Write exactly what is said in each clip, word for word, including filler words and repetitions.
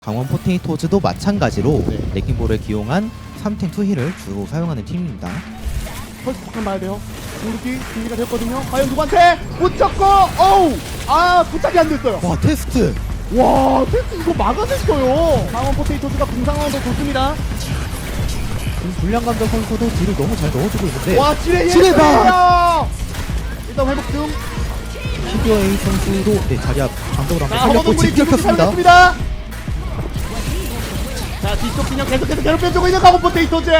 강원 포테이토즈도 마찬가지로 네. 레킹볼을 기용한 삼 탱 투 힐을 주로 사용하는 팀입니다. 펄스 잠깐 봐야 돼요. 공격이 준비가 됐거든요. 과연 누구한테 붙였고, 어우, 아 부착이 안 됐어요. 와 테스트! 와, 테스 이거 막아냈어요. 강원 포테이토즈가 공상황도 좋습니다. 지금 불량감자 선수도 뒤를 너무 잘 넣어주고 있는데 와, 지뢰 지뢰다! 일단 회복 중. 피규어 A 선수도 네, 자리 앞 방벽으로 자, 한번 살렸고 허벅물이 집 긁혔습니다. 사용했습니다. 자, 뒤쪽 진영 계속해서 괴롭혀주고 있는 강원 포테이토즈.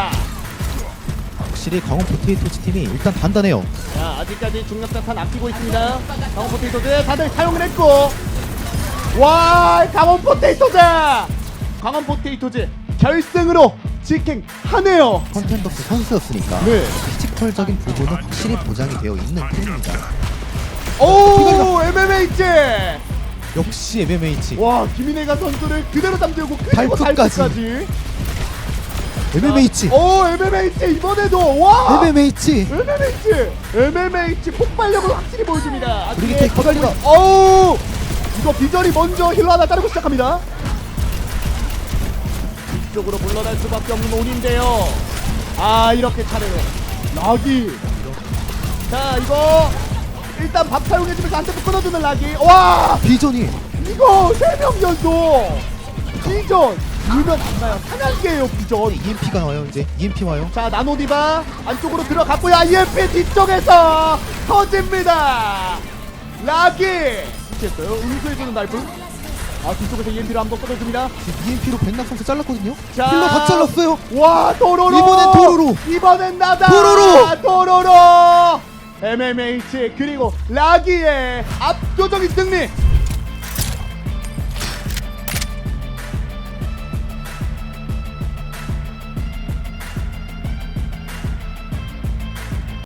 확실히 강원 포테이토즈 팀이 일단 단단해요. 자, 아직까지 중력자탄 아끼고 있습니다. 강원 포테이토즈 다들 사용을 했고, 와, 강원 포테이토즈, 강원 포테이토즈 결승으로 직행하네요. 컨텐더스 선수였으니까 네. 피지컬적인 부분은 확실히 보장이 되어 있는 팀입니다. 오, 엠엠에이치. 역시 엠엠에이치 와, 김인혜가 선수를 그대로 잠들고 그리고 발끝까지. 발끝까지. 엠엠에이치 오, 엠엠에이치 이번에도 와. 엠엠에이치 엠엠에이치 엠엠에이치 폭발력을 확실히 보여줍니다. 브리기테 거달리가. 어우, 이거 비전이 먼저 힐러 하나 자르고 시작합니다. 이쪽으로 물러날 수밖에 없는 온인데요. 아, 이렇게 차례로 락이. 자, 이거 일단 밥 사용해주면서 한테 끊어주는 락이. 와, 비전이 이거 세 명 연속 비전 울면 안 나요. 사냥개예요 비전. 이엠피가 와요. 이제 이엠피 와요. 자, 나노디바 안쪽으로 들어갔고요. 아이엠피 뒤쪽에서 터집니다. 락이 됐어요. 응수해주는 날프. 아, 뒤쪽에서 이엠피로 한번 꺼내줍니다. 이엠피로 백낙 선수 잘랐거든요. 자, 힐러 다 잘랐어요. 와, 도로로. 이번엔 도로로. 이번엔 나다. 도로로. 도로로. 엠엠에이치 그리고 라기의 압도적인 승리.